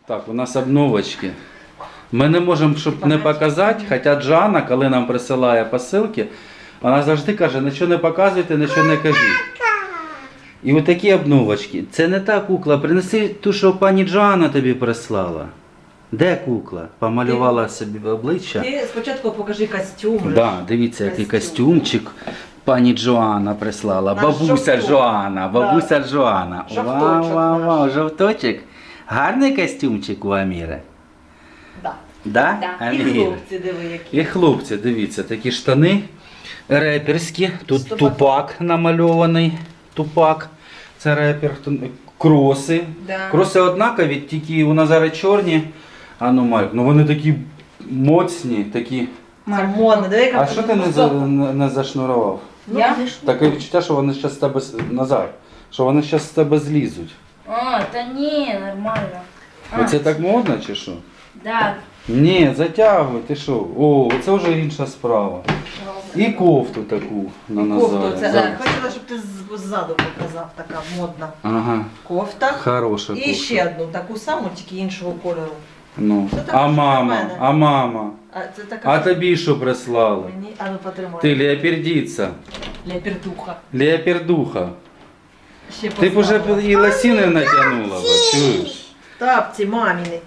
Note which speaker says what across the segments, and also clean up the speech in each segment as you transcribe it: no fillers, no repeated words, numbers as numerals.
Speaker 1: Так, у нас обновочки. Ми не можемо, щоб не показати, хоча Джана, коли нам присилає посилки, вона завжди каже, нічого не показуйте, нічого не кажіть. І ось такі обновочки. Це не та кукла, принеси ту, що пані Джана тобі прислала. Де кукла? Помалювала собі обличчя.
Speaker 2: Ти спочатку покажи костюм.
Speaker 1: Да, дивіться, який костюмчик пані Джоанна прислала.
Speaker 2: Наш
Speaker 1: Бабуся
Speaker 2: жовток.
Speaker 1: Джоанна, бабуся Джоанна.
Speaker 2: Жовточок
Speaker 1: Вау, вау,
Speaker 2: наш.
Speaker 1: вау, жовточок. Гарний костюмчик у Аміри.
Speaker 2: Да.
Speaker 1: Да?
Speaker 3: Да.
Speaker 2: І
Speaker 1: Аміра?
Speaker 2: хлопці, диви, які.
Speaker 1: І хлопці, дивіться, такі штани реперські. Тут
Speaker 2: З
Speaker 1: тупак намальований. Тупак. Це репер. Кроси.
Speaker 2: Да.
Speaker 1: Кроси однакові, тільки у Назари чорні. А ну, Марк, ну вони такі моцні, такі.
Speaker 2: Це модно, диви, яка
Speaker 1: А що ти не зашнурував?
Speaker 3: Я?
Speaker 1: Таке відчуття, що вони зараз з тебе Назар, що вони зараз з тебе злізуть.
Speaker 3: А, та ні, нормально.
Speaker 1: Оце так модно чи що?
Speaker 3: Да.
Speaker 1: Ні, затягуй, ти що? О, це вже інша справа. І кофту таку на
Speaker 2: кофту.
Speaker 1: Назарі.
Speaker 2: Це
Speaker 1: Зараз.
Speaker 2: хотіла, щоб ти ззаду показав, така модна
Speaker 1: Ага,
Speaker 2: кофта.
Speaker 1: хороша кофта.
Speaker 2: І ще одну, таку саму, тільки іншого кольору.
Speaker 1: Ну.
Speaker 2: Це так,
Speaker 1: А
Speaker 2: що для
Speaker 1: мама,
Speaker 2: мене.
Speaker 1: а мама.
Speaker 2: А це така.
Speaker 1: А тобі що прислали?
Speaker 2: Мені, а ну потримай.
Speaker 1: Ти леопердиця,
Speaker 2: Лепердуха.
Speaker 1: леопердуха.
Speaker 2: Ще
Speaker 1: Ти б уже
Speaker 2: поставила.
Speaker 1: і лосіни натягнула, бо, чуєш?
Speaker 2: Тапці маміни.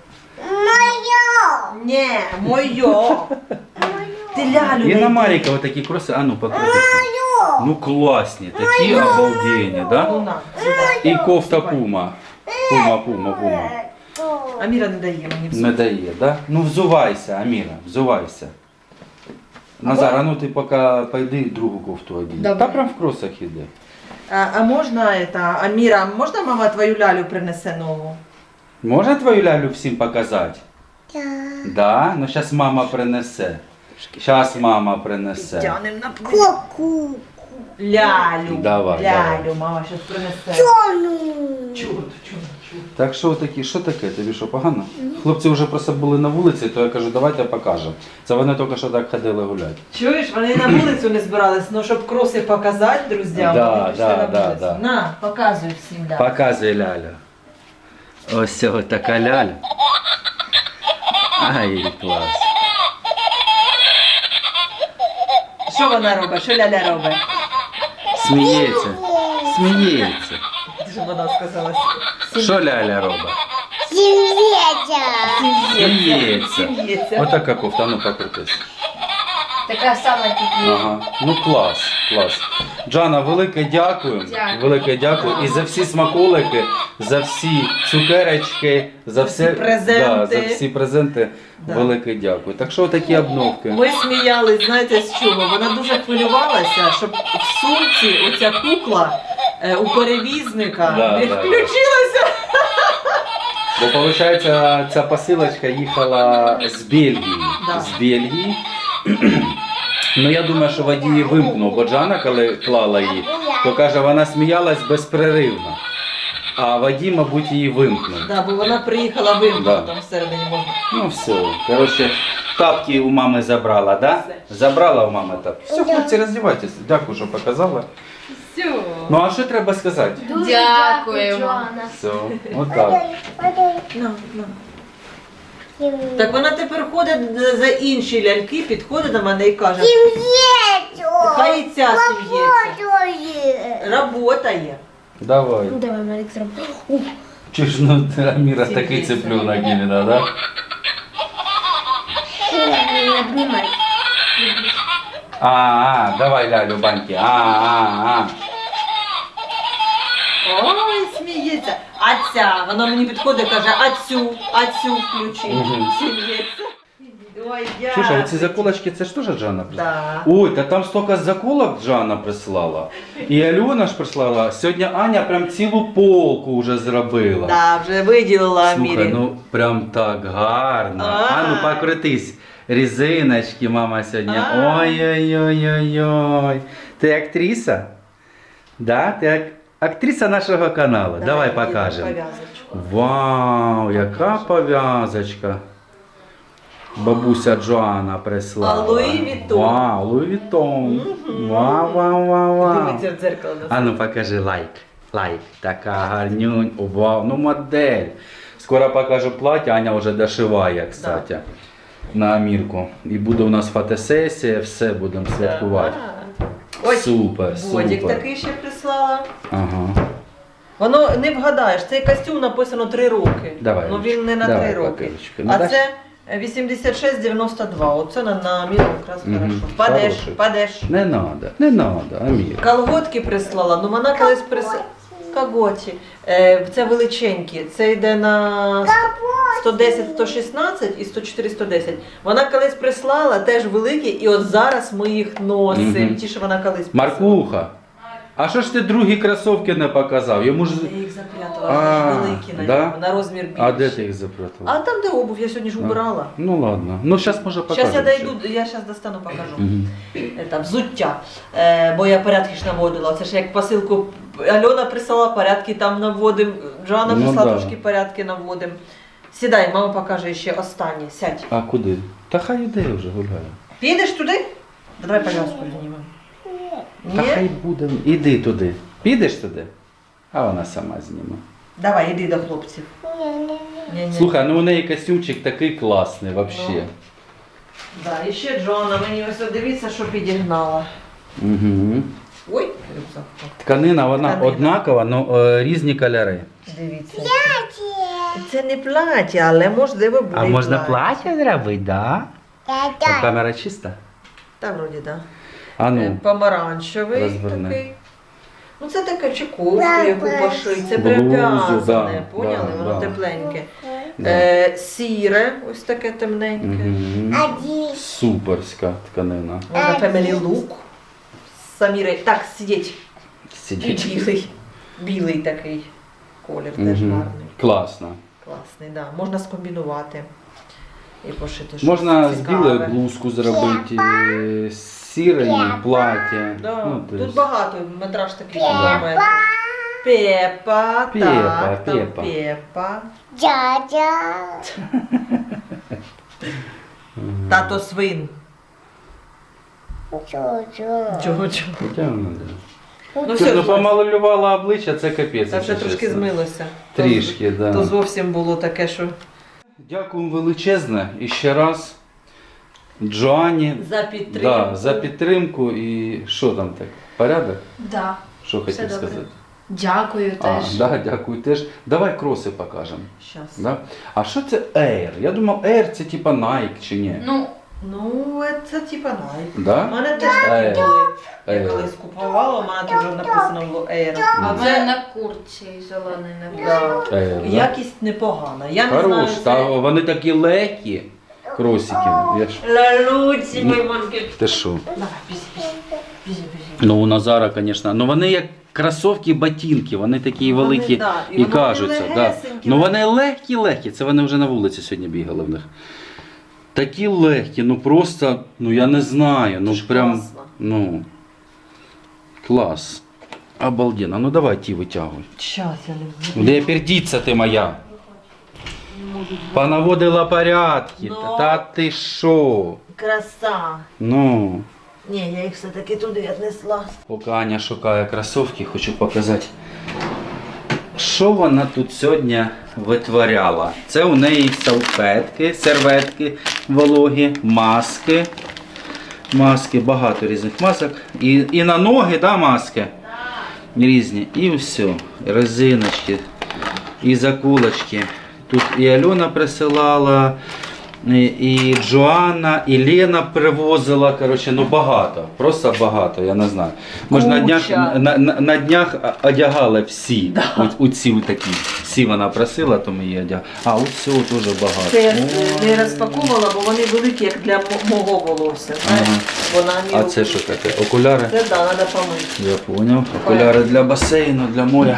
Speaker 2: Моє! Ні, моє. Ти лялю
Speaker 1: І на
Speaker 2: найди.
Speaker 1: Маріка отакі кроси, а ну покрутись. Ну класні, такі обалденні, да?
Speaker 2: Ну, на, сюди.
Speaker 1: І кофта пума. Пума.
Speaker 2: Аміра не дає мені все.
Speaker 1: Не дає, да? Ну взувайся, Аміра, взувайся. Назар, а ну ти поки пойди другу кофту одій.
Speaker 3: Добре.
Speaker 1: Та прям в кросах іде.
Speaker 2: А можна это, Аміра, можна мама твою лялю принесе нову?
Speaker 1: Можна твою лялю всім показати? Да? Ну зараз мама принесе. Зараз мама принесе.
Speaker 2: Тянем на плечі. Лялю.
Speaker 1: Давай,
Speaker 2: лялю, мама щось принесе. Чудо.
Speaker 1: Так що такі, що таке? Тобі що, погано? Хлопці вже просто були на вулиці, то я кажу, давайте покажемо. Це вони тільки що так ходили гуляти.
Speaker 2: Чуєш, вони на вулицю не збирались, ну щоб кроси показати друзям,
Speaker 1: Да,
Speaker 2: вони пішли
Speaker 1: да,
Speaker 2: на
Speaker 1: да,
Speaker 2: вулицю.
Speaker 1: да.
Speaker 2: На, показуй всім лялю.
Speaker 1: Показуй лялю. Ось цього така ляля. Ай, клас.
Speaker 2: Що вона робить? Що ляля робить?
Speaker 1: Сміється. Сміється.
Speaker 2: Що вона сказала?
Speaker 1: Що ляля робить? Сміється.
Speaker 2: Сміється.
Speaker 1: Отака кофта, ну покрутись.
Speaker 3: Така сама тільки.
Speaker 1: Ага. Ну клас, клас. Джана, велике дякую.
Speaker 3: Дякую.
Speaker 1: Велике дякую. І за всі смаколики, за всі цукерочки, за все
Speaker 2: презенти.
Speaker 1: Да, за всі презенти.
Speaker 2: Да.
Speaker 1: Велике дякую. Так що такі обновки?
Speaker 2: Ми сміялись, знаєте, з чого? Вона дуже хвилювалася, щоб в сумці оця кукла у перевізника
Speaker 1: Да,
Speaker 2: не
Speaker 1: да,
Speaker 2: включилася.
Speaker 1: Бо виходить, ця посилочка їхала з Бельгії.
Speaker 2: Да.
Speaker 1: З Бельгії. Ну я думаю, що водій її вимкнув, бо Джана, коли клала її, то каже, вона сміялась безперервно. А водій, мабуть, її вимкнув.
Speaker 2: Да, бо вона приїхала вимкнута,
Speaker 1: Да.
Speaker 2: там всередині можна.
Speaker 1: Ну все. Коротше, тапки у мами забрала, да?
Speaker 2: Все.
Speaker 1: Забрала у мами тапки. Все, хлопці, роздівайтеся. Дякую, що показала.
Speaker 2: Все.
Speaker 1: Ну а що треба сказати?
Speaker 3: Дуже Дякуємо. Джоанна.
Speaker 1: Все, отак.
Speaker 2: На. Так вона тепер ходить за інші ляльки, підходить до мене і каже, хай і ця сім'ється. Работає.
Speaker 1: Давай.
Speaker 3: Давай, Марик, зробимо.
Speaker 1: Чи ж ну Аміра такий цеплюнок іменно, да?
Speaker 3: Обнімай.
Speaker 1: Давай лялю баньки.
Speaker 2: Ой, сміється. А ця, вона мені підходить і каже, а цю включи.
Speaker 1: Мгм.
Speaker 2: Сміється. Ой,
Speaker 1: Чуєш, а
Speaker 2: дякую.
Speaker 1: оці заколочки, це ж теж Джана прислала?
Speaker 2: Да.
Speaker 1: Ой, та там стільки заколок Джана прислала. І Альона ж прислала. Сьогодні Аня прям цілу полку вже зробила.
Speaker 2: Да, вже виділила Амірі.
Speaker 1: Слухай, ну прям так гарно. Ну покрутись. Резиночки мама сьогодні.
Speaker 2: А.
Speaker 1: Ой-ой-ой-ой-ой. Ти актриса? Да? Ти актриса нашого каналу. Давай
Speaker 2: діду,
Speaker 1: покажемо.
Speaker 2: пов'язочку.
Speaker 1: Вау, яка пов'язочка. Бабуся Джоанна прислала.
Speaker 2: А Луї Вітон.
Speaker 1: Вау, Луї Вітон. Вау.
Speaker 2: Дивиться в дзеркало.
Speaker 1: А ну покажи лайк. Лайк. Така гарнюнь. Вау, ну модель. Скоро покажу плаття, Аня вже дошиває, кстати, на Амірку. І буде у нас фотосесія, все будемо святкувати.
Speaker 2: Ось
Speaker 1: Супер,
Speaker 2: Бодік
Speaker 1: супер.
Speaker 2: такий ще прислала.
Speaker 1: Ага.
Speaker 2: Воно не вгадаєш, цей костюм написано 3 роки.
Speaker 1: Давай,
Speaker 2: Ну він не на
Speaker 1: давай,
Speaker 2: 3 роки.
Speaker 1: папірочку. Ну,
Speaker 2: А
Speaker 1: дай.
Speaker 2: це 86,92. Оце на міру якраз
Speaker 1: Мгм.
Speaker 2: хорошо. Падеш,
Speaker 1: Хороший.
Speaker 2: падеш.
Speaker 1: Не надо, Амір.
Speaker 2: Колготки прислала, ну вона колись прислала. Колготі. Це величенькі. Це йде на 110, 116 і 104, 110. Вона колись прислала, теж великі, і от зараз ми їх носимо.
Speaker 1: Мгм.
Speaker 2: Ті, що вона колись прислала.
Speaker 1: Маркуха, а що ж ти другі кросовки не показав? Йому ж...
Speaker 2: Я їх запрятала, вони ж великі на
Speaker 1: да?
Speaker 2: ньому, на розмір більший.
Speaker 1: А де ти їх запрятав?
Speaker 2: А там, де обув, я сьогодні ж убирала.
Speaker 1: Ну ладно. Ну зараз може покажемо.
Speaker 2: Зараз я дойду, я зараз достану, покажу.
Speaker 1: Мгм.
Speaker 2: Это, взуття. Бо я порядки ж наводила. Це ж як посилку Альона прислала, порядки там наводимо. Джоанна
Speaker 1: Ну
Speaker 2: прислала,
Speaker 1: да.
Speaker 2: трошки порядки наводимо. Сідай, мама покаже ще останнє. Сядь.
Speaker 1: А куди? Та хай іде вже гуляє.
Speaker 2: Підеш туди? Давай пов'язку знімемо.
Speaker 1: Та
Speaker 2: Ні?
Speaker 1: хай буде. Іди туди. Підеш туди? А вона сама зніме.
Speaker 2: Давай, іди до хлопців. Ні-ні.
Speaker 1: Слухай, ну у неї костюмчик такий класний взагалі.
Speaker 2: Да, і ще Джоанна, мені ось дивіться, що підігнала.
Speaker 1: Угу.
Speaker 2: Ой, рюкзак.
Speaker 1: Тканина, вона
Speaker 2: Тканина.
Speaker 1: однакова, але різні кольори.
Speaker 2: Дивіться. Це не плаття, але можливо буде.
Speaker 1: А
Speaker 2: і
Speaker 1: можна плаття зробити, да? А камера чиста?
Speaker 2: Та вроді, так. Да.
Speaker 1: А ну,
Speaker 2: Помаранчевий
Speaker 1: розверни.
Speaker 2: такий. Ну це таке чи кофту, яку пошить, це
Speaker 1: Блузу,
Speaker 2: прив'язане,
Speaker 1: да,
Speaker 2: поняли?
Speaker 1: да,
Speaker 2: Воно
Speaker 1: да.
Speaker 2: тепленьке.
Speaker 1: Да.
Speaker 2: Сіре, ось таке темненьке.
Speaker 1: Угу. Суперська тканина.
Speaker 2: Можна Family Look. Саміри. Так, сидіть. І
Speaker 1: Сидіть.
Speaker 2: білий. Білий такий колір теж
Speaker 1: Угу.
Speaker 2: гарний.
Speaker 1: Класно.
Speaker 2: Класний, да. Можна скомбінувати і пошити щось
Speaker 1: Можна з
Speaker 2: цікаве.
Speaker 1: білою блузку зробити, з сірою плаття.
Speaker 2: Да.
Speaker 1: Ну, то
Speaker 2: Тут
Speaker 1: есть-
Speaker 2: багато, метраж такий кілометр. Пепа,
Speaker 1: Пепа,
Speaker 2: так, там
Speaker 1: Пепа.
Speaker 2: Пепа.
Speaker 3: Дядя.
Speaker 2: Тато свин.
Speaker 3: Чого?
Speaker 2: Чого?
Speaker 1: Хоча вона, да.
Speaker 2: Ну
Speaker 1: Ти,
Speaker 2: все,
Speaker 1: ну помалювала обличчя, це капець.
Speaker 2: це вже
Speaker 1: якщо
Speaker 2: трошки
Speaker 1: чесно.
Speaker 2: змилося.
Speaker 1: Трішки, да.
Speaker 2: То зовсім було таке, що
Speaker 1: Дякуємо величезне і ще раз Джоанні
Speaker 2: за підтримку.
Speaker 1: да, за підтримку і що там так? Порядок?
Speaker 3: Да.
Speaker 1: Що
Speaker 3: Все
Speaker 1: хотів
Speaker 3: добре.
Speaker 1: сказати?
Speaker 3: Дякую
Speaker 1: А,
Speaker 3: теж.
Speaker 1: да, дякую теж. Давай кроси покажемо.
Speaker 2: Щас.
Speaker 1: Да? А що це Air? Я думав, Air це типа Nike чи ні?
Speaker 2: Ну, це типа Nike. У
Speaker 1: Да?
Speaker 2: мене теж такі були. Я
Speaker 1: Air.
Speaker 2: колись купувала, у мене тут вже написано було Air.
Speaker 3: А в
Speaker 2: Це
Speaker 3: мене на куртці зелений написано.
Speaker 2: да.
Speaker 1: Air, да?
Speaker 2: Якість непогана. Я не
Speaker 1: Хорош,
Speaker 2: знаю,
Speaker 1: та
Speaker 2: це...
Speaker 1: вони такі легкі, кросики. Я ж...
Speaker 2: Лалуці, мої манки.
Speaker 1: Ти що?
Speaker 2: Давай, біжи.
Speaker 1: Ну у Назара, звісно, ну вони як кросовки, ботинки, вони такі
Speaker 2: Вони,
Speaker 1: великі
Speaker 2: да, і
Speaker 1: і
Speaker 2: вони
Speaker 1: кажуться. Да.
Speaker 2: легесенькі.
Speaker 1: Ну вони легкі, це вони вже на вулиці сьогодні бігали в них. Такі легкі, ну просто, ну я не знаю, ну
Speaker 2: ж
Speaker 1: прям,
Speaker 2: класно.
Speaker 1: ну, клас. Обалденно, ну давай ті витягуй.
Speaker 2: Щас, я не
Speaker 1: Де пердіться ти моя? Понаводила порядки,
Speaker 2: Ну.
Speaker 1: та ти що?
Speaker 2: Краса.
Speaker 1: Ну.
Speaker 2: Ні, я їх все-таки туди віднесла.
Speaker 1: Поки Аня шукає кросівки, хочу показати, що вона тут сьогодні витворяла. Це у неї салфетки, серветки вологі, маски. Маски, багато різних масок. І на ноги, да, маски різні. І все. Резиночки, і закулочки. Тут і Альона присилала, і Джоанна, і Лена привозила, коротше, ну багато, просто багато, я не знаю. Може на днях,
Speaker 2: Куча.
Speaker 1: на днях одягали всі, у ці такі, всі вона просила, то ми її одягали. А от цього теж багато.
Speaker 2: Це я
Speaker 1: О.
Speaker 2: не розпаковувала, бо вони великі, як для мого волосся. Знаєш?
Speaker 1: Ага.
Speaker 2: Вона
Speaker 1: А
Speaker 2: мені
Speaker 1: це що таке? Окуляри?
Speaker 2: Це да, треба помити.
Speaker 1: Я поняв. Окуляри для басейну, для моря.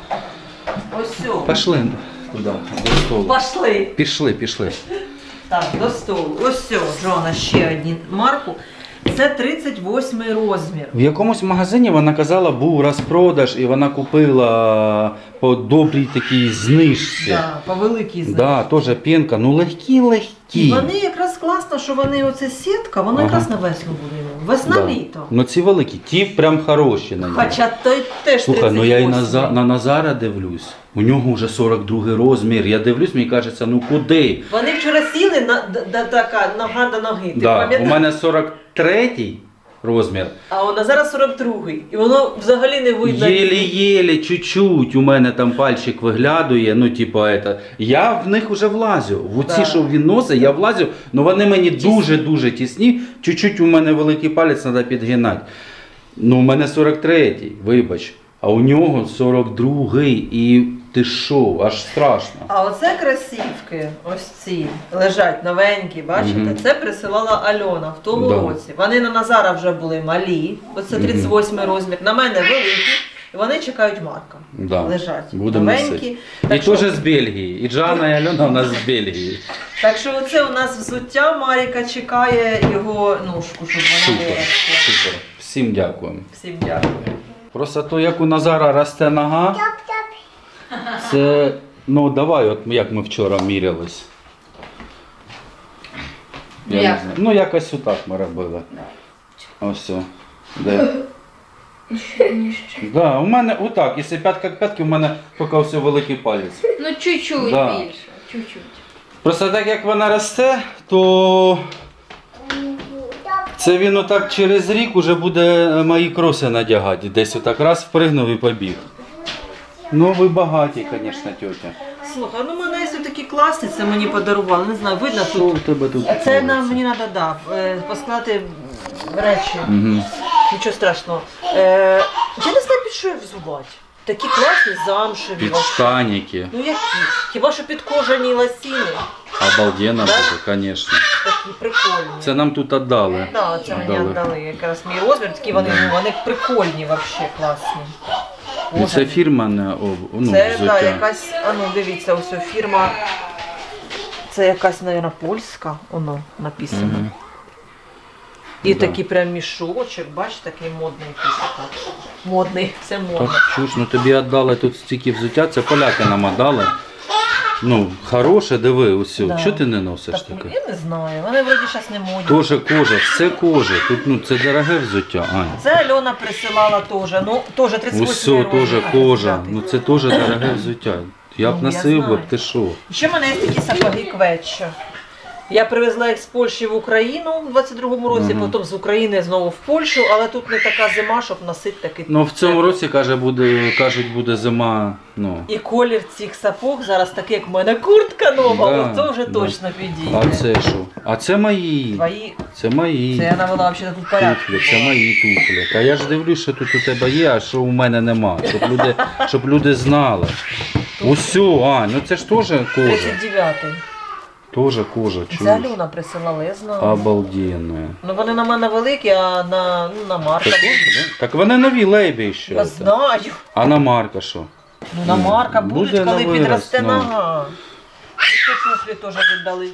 Speaker 2: Ось все.
Speaker 1: Пішли туди, до столу.
Speaker 2: Пошли.
Speaker 1: Пішли.
Speaker 2: Так, до столу. Ось все, Джона, ще одні марку. Це 38 розмір.
Speaker 1: В якомусь магазині вона казала, був розпродаж, і вона купила по добрій такій знижці.
Speaker 2: Да, по великій знижці.
Speaker 1: Да, теж пінка, ну легкі.
Speaker 2: І вони якраз класно, що вони оце сітка, воно
Speaker 1: Ага.
Speaker 2: якраз на весну буде. Весна-літо.
Speaker 1: Ну ці великі, ті прям хороші на нього.
Speaker 2: Хоча той теж
Speaker 1: Слухай, ну я і
Speaker 2: 38.
Speaker 1: на Назара дивлюсь. У нього вже 42 розмір. Я дивлюсь, мені кажеться, ну куди?
Speaker 2: Вони вчора сіли така нога до ноги. Ти
Speaker 1: Да, у
Speaker 2: пам'ятаєш?
Speaker 1: мене 43 розмір.
Speaker 2: А у Назара 42-й. І воно взагалі не видно.
Speaker 1: Єлі-єлі, чуть-чуть у мене там пальчик виглядує, ну типа это. Я в них вже влазю. В оці,
Speaker 2: Да.
Speaker 1: що він носить, я влазю, але вони мені дуже-дуже тісні. Чуть-чуть у мене великий палець треба підгинати. Ну, у мене 43-й, вибач. А у нього 42-й. І ти що, аж страшно.
Speaker 2: А оце красівки, ось ці, лежать новенькі, бачите?
Speaker 1: Мгм.
Speaker 2: Це присилала Альона в тому
Speaker 1: Да.
Speaker 2: році. Вони на Назара вже були малі, оце 38 розмір, на мене великі, і вони чекають Марка.
Speaker 1: Да.
Speaker 2: Лежать.
Speaker 1: Будемо
Speaker 2: новенькі.
Speaker 1: носити. І
Speaker 2: Так що,
Speaker 1: теж з Бельгії. І Джана, і Альона у нас з Бельгії.
Speaker 2: так що оце у нас взуття, Маріка чекає його ножку, щоб вона
Speaker 1: Супер,
Speaker 2: виросла.
Speaker 1: супер. Всім дякуємо.
Speaker 2: Всім дякую.
Speaker 1: Просто то, як у Назара росте нога, це, ну давай, от як ми вчора мірялись. Я не
Speaker 3: Як?
Speaker 1: знаю. Ну якось отак ми робили. Ось. О. Де? Да, у мене отак, якщо п'ятка к п'ятки, у мене поки все великий палець.
Speaker 3: Ну, чуть-чуть
Speaker 1: Да.
Speaker 3: більше. Чуть-чуть.
Speaker 1: Просто так як вона росте, то це він отак через рік уже буде мої кроси надягати. Десь отак раз впригнув і побіг. Ну ви багаті, звісно, тьотя.
Speaker 2: Слухай, ну мене є такі класні, це мені подарували, не знаю, видно
Speaker 1: Що
Speaker 2: тут.
Speaker 1: у тебе тут?
Speaker 2: А це
Speaker 1: твориться?
Speaker 2: нам мені треба поскладати речі.
Speaker 1: Мгм.
Speaker 2: Нічого страшного. Я не знаю, під що їх взувати. Такі класні, замшеві.
Speaker 1: Під
Speaker 2: вообще.
Speaker 1: штаніки.
Speaker 2: Ну які? Хіба що під кожані лосіни.
Speaker 1: Обалденно
Speaker 2: Да?
Speaker 1: буде, звісно.
Speaker 2: Такі прикольні.
Speaker 1: Це нам тут віддали.
Speaker 2: Да, це мені віддали. Якраз мій розмір, такі вони, ну, вони прикольні, вообще класні.
Speaker 1: І це фірмане ну,
Speaker 2: Це да,
Speaker 1: взуття.
Speaker 2: якась, а ну дивіться, ось ця фірма. Це якась, мабуть, польська, воно написано.
Speaker 1: Мгм.
Speaker 2: І
Speaker 1: Да.
Speaker 2: такий прям мішочок, бачите, такий модний якийсь. Модний, це модно.
Speaker 1: Так, чуш, ну тобі віддали тут стільки взуття, це поляки нам віддали. Ну, хороше, диви, усю.
Speaker 2: Да.
Speaker 1: Чого ти не носиш
Speaker 2: Так,
Speaker 1: таке?
Speaker 2: я не знаю, вони вроді зараз не модні.
Speaker 1: Тоже кожа, все кожа. Тут ну, це дороге взуття, Ань.
Speaker 2: Це Альона присилала теж, ну теж 38
Speaker 1: Усе теж кожа. Ну це теж дороге взуття. Я б
Speaker 2: Ну, я
Speaker 1: носив би,
Speaker 2: знаю.
Speaker 1: ти що?
Speaker 2: Ще в мене є такі сапоги Кветча. Я привезла їх з Польщі в Україну у 22-му році,
Speaker 1: Мгм.
Speaker 2: потім з України знову в Польщу, але тут не така зима, щоб носити такий.
Speaker 1: Ну в цьому році, кажуть, буде зима, ну.
Speaker 2: І колір цих сапог зараз такий, як в мене куртка нова,
Speaker 1: Да,
Speaker 2: от то вже
Speaker 1: да.
Speaker 2: точно підійде.
Speaker 1: А це що? А це мої.
Speaker 2: Твої,
Speaker 1: Це мої.
Speaker 2: це я навела взагалі тут порядок.
Speaker 1: Туфлі, це мої туфлі. Та я ж дивлюсь, що тут у тебе є, а що у мене нема. Щоб люди знали. Усю, Ань, ну це ж теж кожа.
Speaker 2: 39-й.
Speaker 1: Теж кожа,
Speaker 2: Це
Speaker 1: чуєш?
Speaker 2: Альона присилала, я знаю.
Speaker 1: Обалденно.
Speaker 2: Ну вони на мене великі, а на Марка.
Speaker 1: Так, да? Так вони нові лейбі ще.
Speaker 2: Я знаю.
Speaker 1: А на Марка що?
Speaker 2: Ну на Марка
Speaker 1: Буде
Speaker 2: будуть, коли
Speaker 1: на
Speaker 2: підросте
Speaker 1: вираз, ну.
Speaker 2: нога. І ще туфлі теж віддали.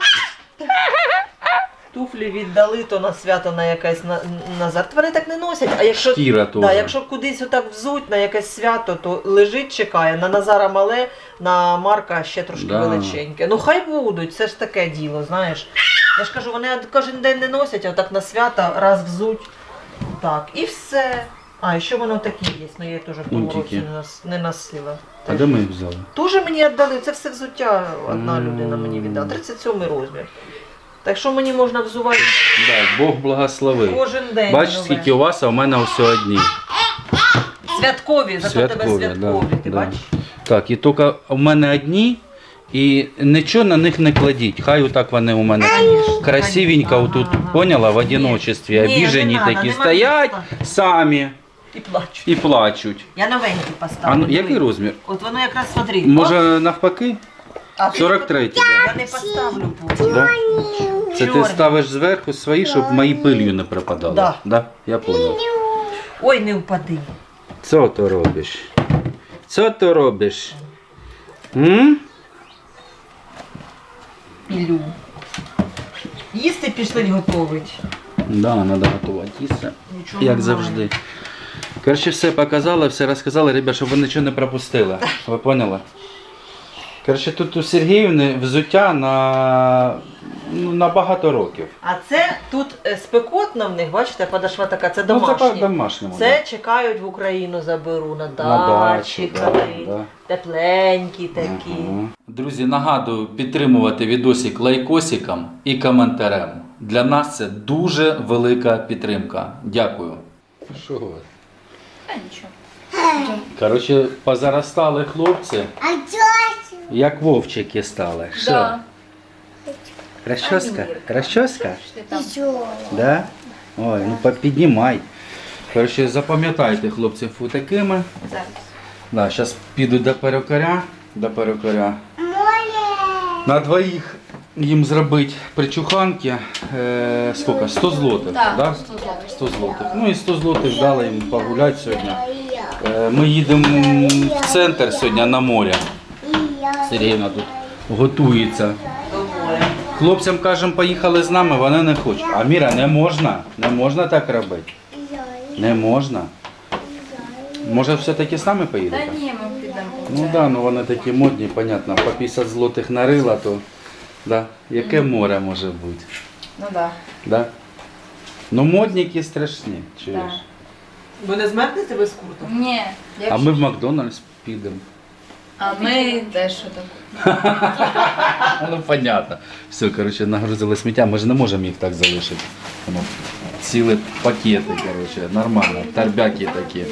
Speaker 2: Туфлі віддали, то на свято на якесь Назар. Вони так не носять. А якщо,
Speaker 1: Шкіра теж.
Speaker 2: да, якщо кудись отак взуть на якесь свято, то лежить, чекає. На Назара мале, на Марка ще трошки
Speaker 1: Да.
Speaker 2: величеньке. Ну хай будуть, це ж таке діло, знаєш. Я ж кажу, вони кожен день не носять, а отак на свято раз взуть. Так, і все. А, і ще воно такі є, але я їх теж в тому
Speaker 1: Мультики.
Speaker 2: році не носила.
Speaker 1: А де ми їх взяли?
Speaker 2: Тоже мені віддали, це все взуття одна
Speaker 1: Мгм.
Speaker 2: людина мені віддала, 37 розмір. Так що мені можна взувати
Speaker 1: Да, Бог благословив.
Speaker 2: кожен день.
Speaker 1: Бачиш,
Speaker 2: нове.
Speaker 1: скільки у вас, а у мене все одні.
Speaker 2: Святкові, зато тебе
Speaker 1: Святкові,
Speaker 2: святкові,
Speaker 1: да,
Speaker 2: ти
Speaker 1: да.
Speaker 2: бачиш?
Speaker 1: Так, і тільки у мене одні, і нічого на них не кладіть. Хай отак вони у мене
Speaker 2: Конечно,
Speaker 1: красивенько
Speaker 2: конечно.
Speaker 1: отут,
Speaker 2: Ага, ага.
Speaker 1: поняла, в
Speaker 2: Ні.
Speaker 1: одиночестві,
Speaker 2: Ні,
Speaker 1: обіжені
Speaker 2: не надо,
Speaker 1: такі
Speaker 2: нема
Speaker 1: стоять
Speaker 2: місця.
Speaker 1: самі
Speaker 2: І плачу.
Speaker 1: і плачуть.
Speaker 2: Я новенькі поставлю.
Speaker 1: А ну,
Speaker 2: диви.
Speaker 1: який розмір?
Speaker 2: От воно якраз смотри.
Speaker 1: Може навпаки?
Speaker 2: а ти-
Speaker 1: 43-й, да.
Speaker 2: Я не поставлю потім.
Speaker 1: Да? Це ти
Speaker 2: Чорні.
Speaker 1: ставиш зверху свої, щоб мої пилью не припадали.
Speaker 2: Да.
Speaker 1: Да? Я понял.
Speaker 2: Ой, не впади.
Speaker 1: Що ти робиш? Що ти робиш? М?
Speaker 2: Ілю. Їсти пішли готовить.
Speaker 1: Да, треба готувати їсти.
Speaker 2: Нічого
Speaker 1: Як
Speaker 2: немає.
Speaker 1: завжди. Коротше, все показали, все розказали, ребят, щоб ви нічого не пропустили. Ви поняли? Коротше, тут у Сергіївни взуття на багато років.
Speaker 2: А це тут спекотно в них, бачите, подошва така, це
Speaker 1: Ну, це
Speaker 2: домашні.
Speaker 1: по-домашньому.
Speaker 2: Це чекають в Україну заберу на дачі,
Speaker 1: да,
Speaker 2: коли
Speaker 1: да.
Speaker 2: тепленькі такі.
Speaker 1: Ага. Друзі, нагадую підтримувати відосик лайкосиком і коментарем. Для нас це дуже велика підтримка. Дякую. Що ви?
Speaker 3: Та нічого.
Speaker 1: Коротше, позаростали хлопці, як вовчики стали. Що?
Speaker 3: Да.
Speaker 1: Розчоска? Розчоска?
Speaker 3: Що ти там?
Speaker 1: Да? Ой, ну піднімай. Коротше, запам'ятайте, хлопці, такими.
Speaker 3: Зараз.
Speaker 1: Да, зараз піду до перукаря. На двоїх їм зробити причуханки. Скільки? 100 злотих.
Speaker 3: Так,
Speaker 1: Да?
Speaker 3: 100 злотих.
Speaker 1: 100 злотих. Ну і 100 злотих дали їм погуляти сьогодні. Ми їдемо в центр сьогодні на море. Сергійна тут готується.
Speaker 2: До моря.
Speaker 1: Хлопцям кажемо, поїхали з нами, вони не хочуть. А Міра, не можна так робити. Не можна. Може все-таки з нами
Speaker 3: Та
Speaker 1: поїдете?
Speaker 3: ні, ми підемо.
Speaker 1: Ну так, да, ну вони такі модні, понятно, по 50 злотих нарила, то да. Яке море може бути?
Speaker 3: Ну так.
Speaker 1: Да? Ну модники страшні, чуєш?
Speaker 3: Да.
Speaker 2: Ви не змерзнете без курток?
Speaker 3: Ні.
Speaker 1: А ми в Макдональдс підемо.
Speaker 3: А ми теж що таке.
Speaker 1: Ну понятно. Все, коротше, нагрузили сміття, ми ж не можемо їх так залишити. Воно цілі пакети, коротше, нормально, торбяки такі.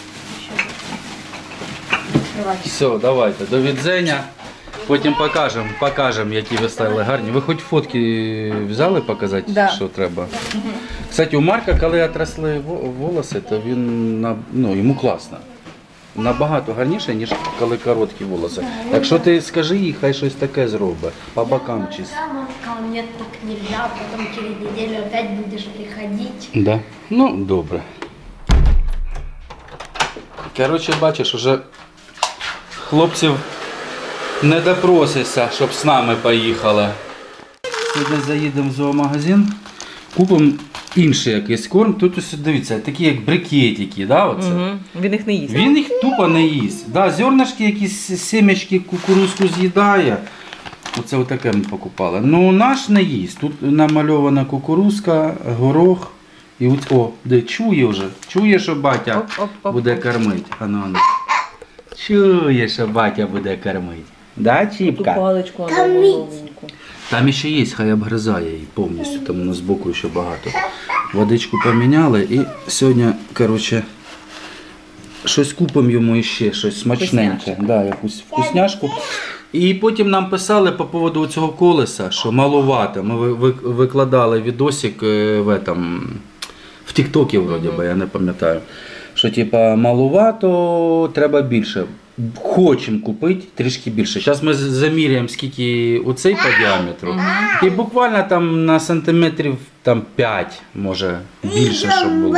Speaker 1: Все, давайте, до відзення. Потім покажемо, які ви стали гарні. Ви хоч фотки взяли показати,
Speaker 3: Да.
Speaker 1: що треба? Кстати, у Марка, коли отросли волоси, то він, йому класно. Набагато гарніше, ніж коли короткі волоси. Якщо ти скажи їй, хай щось таке зробить, по бокам чисто.
Speaker 4: Мама сказала, нет, так нельзя, потом через неделю опять будешь приходить.
Speaker 1: Да? Ну, добре. Коротше, бачиш, уже хлопців не допросишся, щоб з нами поїхали. Сьогодні заїдемо в зоомагазин, купимо інший якийсь корм. Тут ось, дивіться, такі як брикетики, да, оце?
Speaker 2: Угу. Він їх не їсть.
Speaker 1: Він їх тупо не їсть. Да, зернышки, якісь семечки, кукурузку з'їдає. Оце отаке ми покупали. Ну наш не їсть. Тут намальована кукурузка, горох. І чує вже. Чує, що батя
Speaker 2: Оп-оп-оп.
Speaker 1: буде кормити. Ану. Чує, що батя буде кормити. Да,
Speaker 2: Ту
Speaker 1: Чіпка?
Speaker 2: паличку головеньку.
Speaker 1: Там ще є, хай обгризає її повністю. Там воно збоку ще багато. Водичку поміняли і сьогодні, коротше, щось купимо йому ще, щось смачненьке. Да, якусь вкусняшку. І потім нам писали по поводу цього колеса, що маловато. Ми викладали відосик в Тіктокі, вроді би, я не пам'ятаю. Що типа маловато, треба більше. Хочемо купити трішки більше. Зараз ми заміряємо, скільки оцей по діаметру. І буквально там на сантиметрів там 5, може більше, щоб було.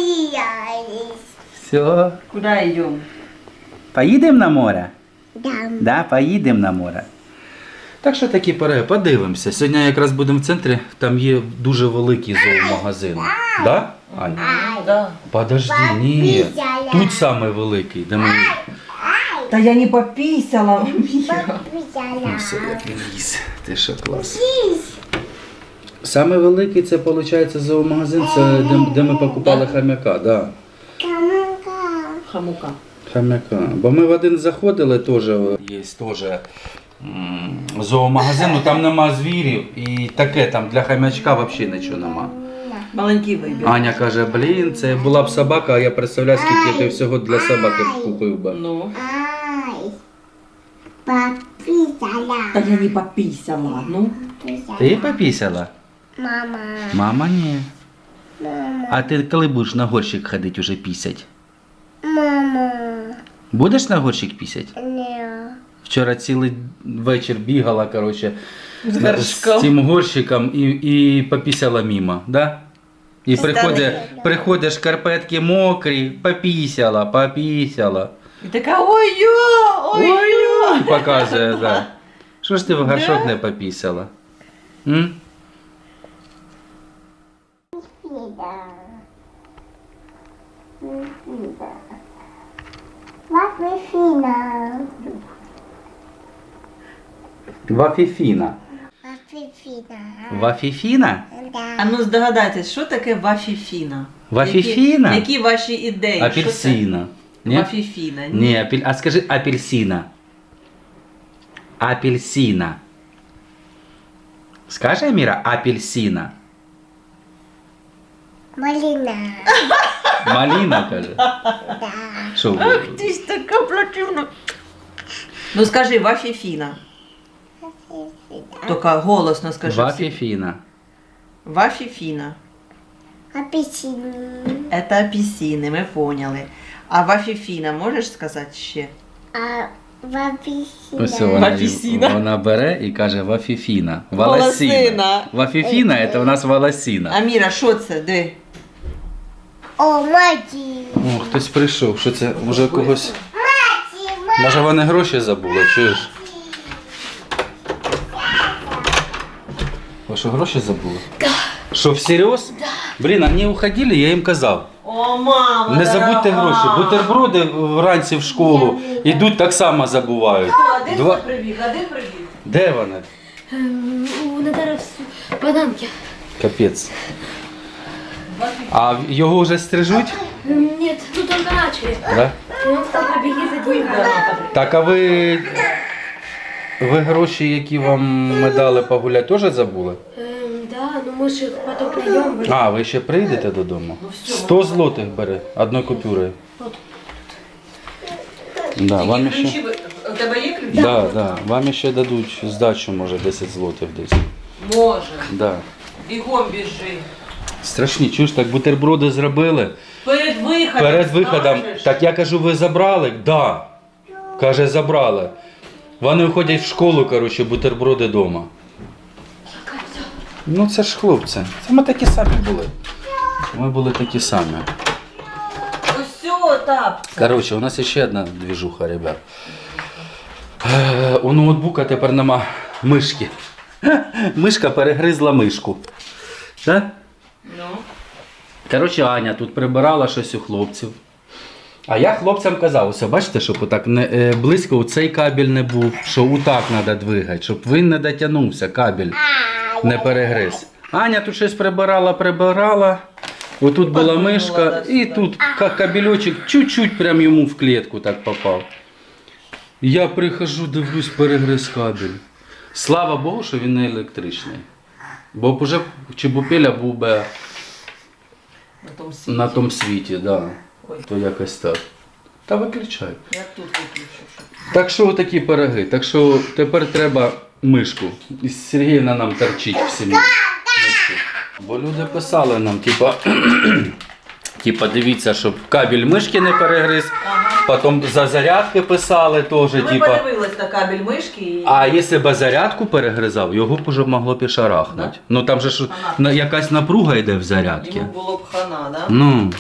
Speaker 1: Все.
Speaker 2: Куди йдемо?
Speaker 1: Поїдемо на море? Да, поїдемо на море. Так що такі подивимося. Сьогодні якраз будемо в центрі, там є дуже великий зоомагазин. Да? Ань?
Speaker 2: Да.
Speaker 1: Подожди, ні. Тут самий великий, де ми...
Speaker 2: Та я не попісяла.
Speaker 1: Ну, все, як він ліз. Ти що, клас. Саме великий це, виходить, зоомагазин, це де ми покупали хам'яка, да.
Speaker 2: Хамука.
Speaker 1: Хам'яка. Бо ми в один заходили, теж є зоомагазин, ну там нема звірів і таке, там для хам'ячка взагалі нічого нема.
Speaker 2: Маленький вибір.
Speaker 1: Аня каже, блін, це була б собака, а я представляю, скільки ти всього для собаки купив би.
Speaker 2: Ну.
Speaker 4: Пописала.
Speaker 2: Та я не попісяла, ну.
Speaker 1: Ти попісяла?
Speaker 4: Мама.
Speaker 1: Мама, ні. А ти коли будеш на горщик ходити уже пісять?
Speaker 4: Мама.
Speaker 1: Будеш на горщик пісять?
Speaker 4: Не.
Speaker 1: Вчора цілий вечір бігала, коротше,
Speaker 2: З
Speaker 1: з
Speaker 2: горшком.
Speaker 1: цим горщиком і попісяла мимо, да? І приходиш, шкарпетки мокрі, попісяла.
Speaker 2: І така ой-йо, ой-йо.
Speaker 1: І показує, да. Що ж ти в горшок не попісяла? М?
Speaker 4: Вафифина.
Speaker 1: Вафіфіна.
Speaker 4: Вафифина.
Speaker 1: Вафіфіна?
Speaker 2: А ну здогадайтесь, що таке вафіфіна?
Speaker 1: Вафіфіна?
Speaker 2: Які ваші ідеї?
Speaker 1: Апельсина.
Speaker 2: Що це? Вафіфіна.
Speaker 1: Ні, а скажи апельсина. Апельсина. Скажи, Аміра, апельсина.
Speaker 4: Малина.
Speaker 1: Малина, каже.
Speaker 4: Да.
Speaker 1: Що?
Speaker 2: Ти ж така противна. Ну скажи, вафіфіна. Тільки голосно скажи. всі.
Speaker 1: Вафіфіна.
Speaker 2: Вафіфіна.
Speaker 4: Апельсин.
Speaker 2: Это апельсини, ми поняли. А вафіфіна можеш сказати ще?
Speaker 4: А апельсин.
Speaker 1: Ось вона,
Speaker 2: Вафісіна.
Speaker 1: вона бере і каже вафіфіна.
Speaker 2: Волосина.
Speaker 1: Вафіфіна це у нас волосина.
Speaker 2: Аміра, що це? Диви.
Speaker 4: О, маті.
Speaker 1: О, хтось прийшов. Що це? Може когось.
Speaker 4: Маті,
Speaker 1: Може вони гроші забули, чуєш? Ви що, гроші забули? Да. Що, всерйоз? Да. Блін, вони уходили, я їм казав.
Speaker 2: О, мама,
Speaker 1: Не забудьте
Speaker 2: дорога.
Speaker 1: гроші. Бутерброди вранці в школу йдуть, так само забувають.
Speaker 2: Один
Speaker 1: Два-
Speaker 2: прибіг, один прибіг.
Speaker 1: Де вони?
Speaker 4: У Натари в бананки.
Speaker 1: Капець. А його вже стрижуть?
Speaker 4: Нет, ну только начали.
Speaker 1: Да?
Speaker 4: И он стал побеги за деньгами.
Speaker 1: Так, а ви гроші, які вам ми дали погуляти, теж забули?
Speaker 4: Да, ну мы же их потом придем.
Speaker 1: А, ви ще прийдете додому? 100 злотих бери, одною купюрою. Да, вам ще...
Speaker 2: Ключі, у тебе є ключі?
Speaker 1: Да. Вам ще дадуть здачу, може, 10 злотих десь.
Speaker 2: Може.
Speaker 1: Да.
Speaker 2: Бігом біжи.
Speaker 1: Страшні, чуєш, так бутерброди зробили.
Speaker 2: Перед виходом.
Speaker 1: Перед виходом,
Speaker 2: скажеш?
Speaker 1: так я кажу, ви забрали? Да. Каже, забрали. Вони виходять в школу, коротше, бутерброди вдома. Ну це ж хлопці. Це ми такі самі були. Ми були такі самі.
Speaker 2: Ось все, тапці.
Speaker 1: Коротше, у нас ще одна двіжуха, ребят. У ноутбука тепер нема мишки. Мишка перегризла мишку. Так?
Speaker 2: Ну.
Speaker 1: Коротше, Аня тут прибирала щось у хлопців. А я хлопцям казав, ось бачите, щоб отак близько у цей кабель не був, що отак треба двигати, щоб він не дотягнувся, кабель не перегриз. Аня тут щось прибирала. Отут була
Speaker 2: Подвинула,
Speaker 1: мишка,
Speaker 2: да,
Speaker 1: і
Speaker 2: сюди.
Speaker 1: тут кабельочок чуть-чуть прям йому в клітку так попав. Я прихожу, дивлюсь, перегриз кабель. Слава Богу, що він не електричний. Бо б уже Чебупеля був би
Speaker 2: На тому світі.
Speaker 1: на тому світі, да.
Speaker 2: Ой.
Speaker 1: То якось так. Та виключай.
Speaker 2: Я тут виключу. щоб-
Speaker 1: Так що такі пироги. Так що тепер треба мишку. І Сергіївна нам торчить в сім'ї. Мишку. Бо люди писали нам, типа дивіться, щоб кабель мишки не перегриз. Потім за зарядки писали теж,
Speaker 2: Ми
Speaker 1: типа.
Speaker 2: подивились на кабель мишки і...
Speaker 1: А якщо б зарядку перегризав, його б уже могло пішарахнути.
Speaker 2: Да?
Speaker 1: Ну там же ж
Speaker 2: Ага.
Speaker 1: якась напруга йде в зарядці.
Speaker 2: Йому було б хана, да?
Speaker 1: Ну.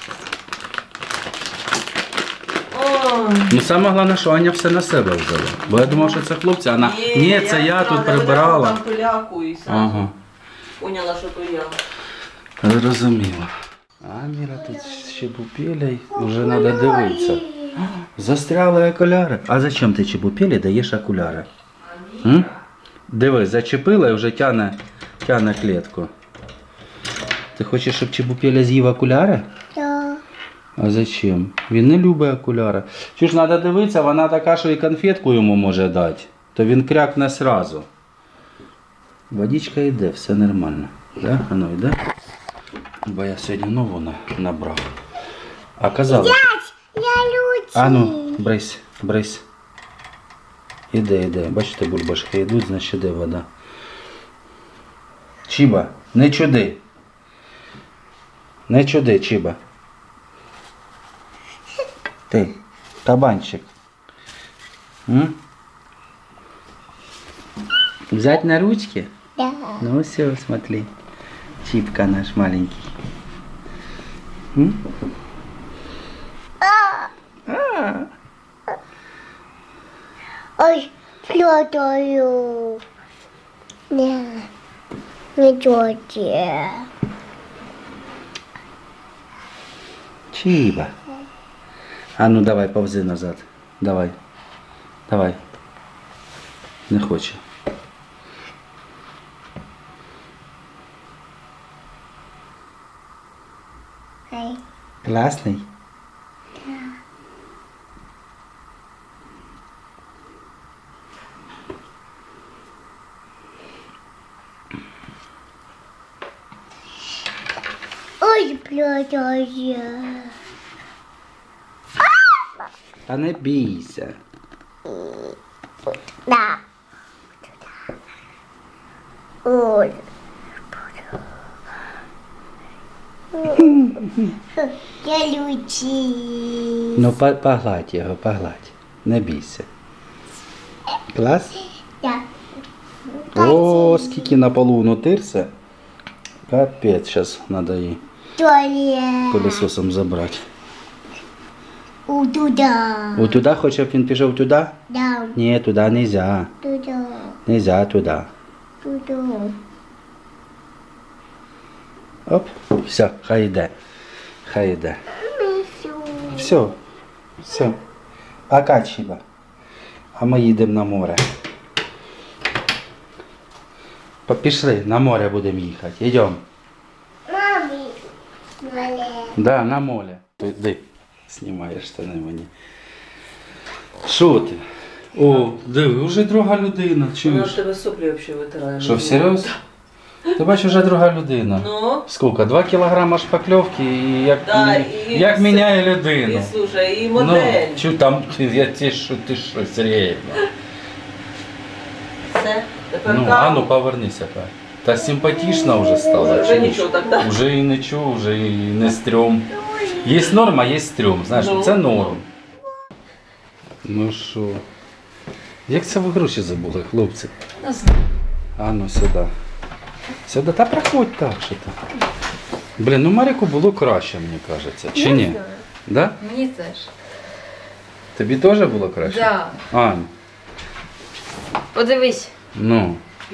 Speaker 2: Ой.
Speaker 1: Ну саме головне, що Аня все на себе взяла. Бо я думав, що це хлопці, вона ні, це я тут прибирала.
Speaker 2: Там пиляку і сразу
Speaker 1: Ага,
Speaker 2: поняла, що то я.
Speaker 1: зрозуміло. А Міра тут Чебупелей, вже треба дивитися. Застряли окуляри. А зачем ти Чебупелі даєш окуляри? М? Диви, зачепила і вже тяне клітку. Ти хочеш, щоб Чебупеля з'їв окуляри?
Speaker 4: Да.
Speaker 1: А зачем? Він не любить окуляри. Чи ж треба дивитися, вона така, що і конфетку йому може дати, то він крякне сразу. Водичка йде, все нормально. Да? Воно йде. Бо я сьогодні нову набрав. А казали.
Speaker 4: Я люблю.
Speaker 1: А ну, брись. Іде. Бачите, бульбашки йдуть, значить іде вода. Чіба, не чуди. Не чуди, Чіба. Ти, кабанчик. М? Взять на ручки?
Speaker 4: Да.
Speaker 1: Ну все, смотри. Чипка наш маленький. М?
Speaker 4: Ой, плетаю. Не тетя.
Speaker 1: Чиба. А ну давай, повзи назад. Давай. Не хоче.
Speaker 4: Классный.
Speaker 1: Класний?
Speaker 4: Ой, плюс.
Speaker 1: Та не бійся.
Speaker 4: Да. Ой. Я лючи.
Speaker 1: Ну, погладь його, погладь. Не бійся. Клас?
Speaker 4: Да.
Speaker 1: О, скільки на полу нутирся. Капець, зараз треба її
Speaker 4: Туалет.
Speaker 1: пилососом забрати.
Speaker 4: У туда.
Speaker 1: О, туди хоче, щоб він пішов туди?
Speaker 4: Да.
Speaker 1: Ні, туди не можна.
Speaker 4: Туда.
Speaker 1: Нельзя туди.
Speaker 4: Туда.
Speaker 1: Оп, все, хай йде. Хай йде. Все, все. Пока, Чіба. А ми їдемо на море. Пішли, на море будемо їхати. Йдемо.
Speaker 4: Мамі. Мале.
Speaker 1: Да, на море. Іди, знімаєш штани мені. Що ти? О, диви, вже друга людина,
Speaker 2: Вона в
Speaker 1: чуєш?
Speaker 2: тебе соплі взагалі витирає.
Speaker 1: Що, всерйоз? Ти бачиш, вже друга людина.
Speaker 2: Ну,
Speaker 1: Скільки? 2 кілограма шпакльовки і як,
Speaker 2: Да, і
Speaker 1: як
Speaker 2: все.
Speaker 1: міняє
Speaker 2: і
Speaker 1: людину.
Speaker 2: слушай, і модель.
Speaker 1: Ну, чу там, ти що, серйозно.
Speaker 2: Все, тепер
Speaker 1: Ну, а ну повернися, хай. Та симпатична вже стала.
Speaker 2: Вже
Speaker 1: чуєш?
Speaker 2: нічого так, так?
Speaker 1: Уже і нічого, вже і не стрьом. Є норма, є стрьом. Знаєш,
Speaker 2: Ну.
Speaker 1: це норм. Ну що? Як це ви гроші забули, хлопці?
Speaker 3: Не знаю.
Speaker 1: А ну сюди. Сюди, та проходь так, що ти. Блін, ну Маріку було краще, мені кажеться. Чи ні? Да?
Speaker 3: Мені теж.
Speaker 1: Тобі теж було краще?
Speaker 3: Да.
Speaker 1: Ань,
Speaker 3: Подивись.
Speaker 1: ну.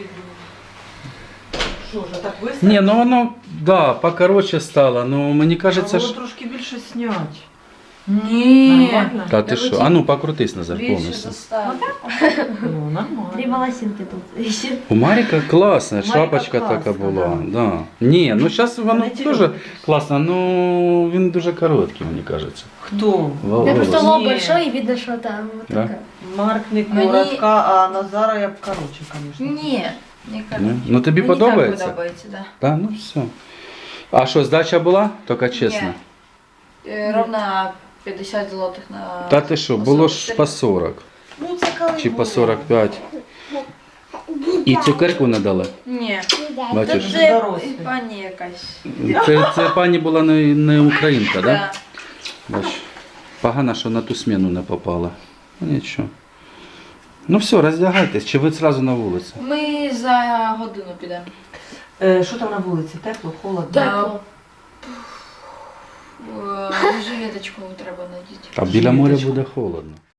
Speaker 2: Що вже так висить?
Speaker 1: Ні, ну воно, да, покороче стало, ну мені кажеться,
Speaker 2: Було
Speaker 1: що...
Speaker 2: трошки більше снять.
Speaker 3: Ні.
Speaker 2: Нормально?
Speaker 1: Та ти що? А ну покрутись назад
Speaker 3: Більше
Speaker 1: повністю.
Speaker 3: заставити.
Speaker 2: Ну, нормально.
Speaker 4: Три волосинки тут еще.
Speaker 1: У Маріка класна,
Speaker 2: Маріка
Speaker 1: шапочка
Speaker 2: класна,
Speaker 1: така була.
Speaker 2: да.
Speaker 1: Да. Ні, ну зараз воно
Speaker 2: Вони ті
Speaker 1: дуже
Speaker 2: люблять.
Speaker 1: класно, ну він дуже короткий, мені кажеться.
Speaker 2: Хто?
Speaker 4: Да просто
Speaker 1: Волос.
Speaker 4: лоб
Speaker 2: Не.
Speaker 4: большой и видно, что там вот
Speaker 1: Да?
Speaker 4: такая.
Speaker 2: Марк не
Speaker 3: Мені-
Speaker 2: коротка, а Назара я б коротше, звісно.
Speaker 3: Ні. Не
Speaker 1: Ні?
Speaker 3: кажу.
Speaker 1: Ну тобі
Speaker 3: Мені
Speaker 1: подобається?
Speaker 3: так подобається, да.
Speaker 1: Так, ну все. А що, здача була? Тільки чесно.
Speaker 3: Ровно 50 злотих на...
Speaker 1: Та ти що, було ж по 40
Speaker 2: Ну, це коли
Speaker 1: чи по
Speaker 2: було.
Speaker 1: 45. І цукерку не дали.
Speaker 3: Ні.
Speaker 1: Бачиш?
Speaker 2: Це
Speaker 3: Це
Speaker 2: дорослі.
Speaker 3: пані якась.
Speaker 1: Це пані була не українка, так? Да?
Speaker 3: Да.
Speaker 1: Бач, погано, що на ту зміну не попала. Ну нічого. Ну все, роздягайтесь, чи ви одразу на вулиці?
Speaker 3: Ми за годину підемо.
Speaker 2: Що там на вулиці? Тепло, холодно?
Speaker 3: Да. Жилеточку треба надіти.
Speaker 1: А біля моря
Speaker 2: Жилеточку.
Speaker 1: буде холодно.